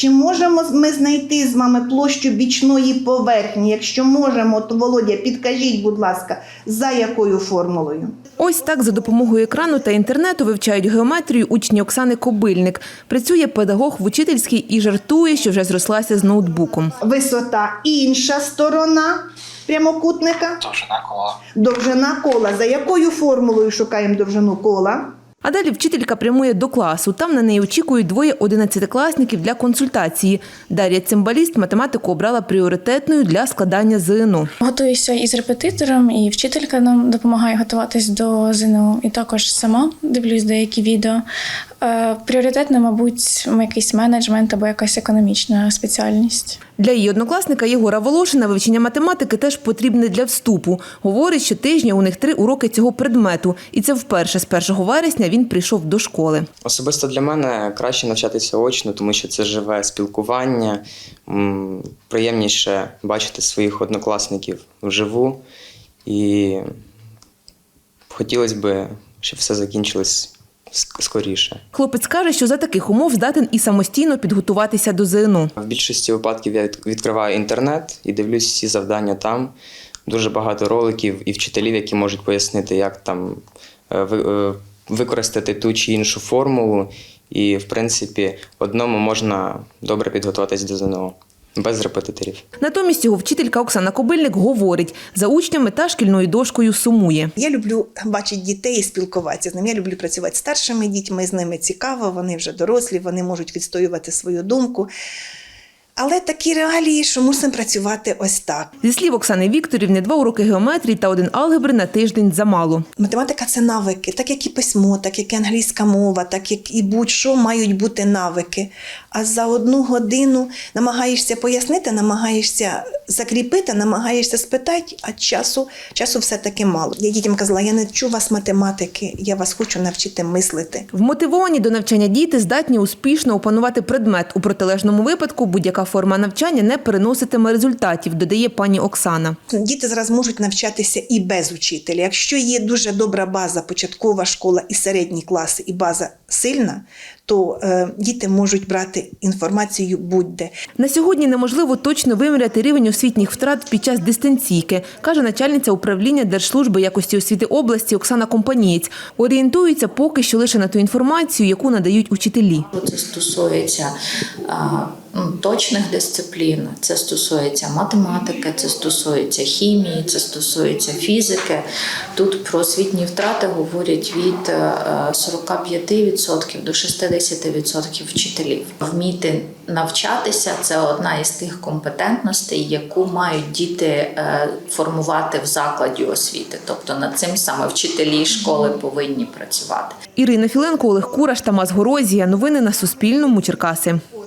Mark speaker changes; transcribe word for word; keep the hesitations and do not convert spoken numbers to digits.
Speaker 1: Чи можемо ми знайти з вами площу бічної поверхні? Якщо можемо, то, Володя, підкажіть, будь ласка, за якою формулою?
Speaker 2: Ось так за допомогою екрану та інтернету вивчають геометрію учні Оксани Кобильник. Працює педагог в учительській і жартує, що вже зрослася з ноутбуком.
Speaker 1: Висота інша сторона прямокутника.
Speaker 3: Довжина кола.
Speaker 1: Довжина кола. За якою формулою шукаємо довжину кола?
Speaker 2: А далі вчителька прямує до класу. Там на неї очікують двоє одинадцятикласників для консультації. Дар'я Цимбаліст математику обрала пріоритетною для складання ЗНО.
Speaker 4: Готуюся із репетитором, і вчителька нам допомагає готуватись до ЗНО. І також сама дивлюсь деякі відео. Пріоритетно, мабуть, якийсь менеджмент або якась економічна спеціальність.
Speaker 2: Для її однокласника Єгора Волошина вивчення математики теж потрібне для вступу. Говорить, що тижня у них три уроки цього предмету. І це вперше з першого вересня він прийшов до школи.
Speaker 5: Особисто для мене краще навчатися очно, тому що це живе спілкування. Приємніше бачити своїх однокласників вживу. І хотілося б, щоб все закінчилось скоріше.
Speaker 2: Хлопець каже, що за таких умов здатен і самостійно підготуватися до ЗНО.
Speaker 5: В більшості випадків я відкриваю інтернет і дивлюсь всі завдання там. Дуже багато роликів і вчителів, які можуть пояснити, як там використати ту чи іншу формулу. І, в принципі, одному можна добре підготуватись до ЗНО. Без репетиторів.
Speaker 2: Натомість його вчителька Оксана Кобильник говорить, за учнями та шкільною дошкою сумує.
Speaker 1: Я люблю бачити дітей і спілкуватися з ними. Я люблю працювати з старшими дітьми, з ними цікаво, вони вже дорослі, вони можуть відстоювати свою думку. Але такі реалії, що мусимо працювати ось так.
Speaker 2: Зі слів Оксани Вікторівни, два уроки геометрії та один алгебри на тиждень замало.
Speaker 1: Математика – це навики, так як і письмо, так як і англійська мова, так як і будь-що мають бути навики. А за одну годину намагаєшся пояснити, намагаєшся закріпити, намагаєшся спитати, а часу, часу все-таки мало. Я дітям казала, я не вчу вас математики, я вас хочу навчити мислити.
Speaker 2: Вмотивовані до навчання діти здатні успішно опанувати предмет. У протилежному випадку будь-яка форма навчання не переноситиме результатів, додає пані Оксана.
Speaker 1: Діти зараз можуть навчатися і без учителя. Якщо є дуже добра база, початкова школа і середні класи, і база сильна, то е, діти можуть брати інформацію будь-де.
Speaker 2: На сьогодні неможливо точно виміряти рівень освітніх втрат під час дистанційки, каже начальниця управління Держслужби якості освіти області Оксана Компанієць. Орієнтуються поки що лише на ту інформацію, яку надають учителі.
Speaker 6: Це стосується а, точних дисциплін, це стосується математики, це стосується хімії, це стосується фізики. Тут про освітні втрати говорять від сорок п'ять відсотків до шістдесят відсотків вчителів. Вміти навчатися – це одна із тих компетентностей, яку мають діти формувати в закладі освіти. Тобто над цим саме вчителі школи повинні працювати.
Speaker 2: Ірина Філенко, Олег Кураш, Тамас Горозія. Новини на Суспільному. Черкаси.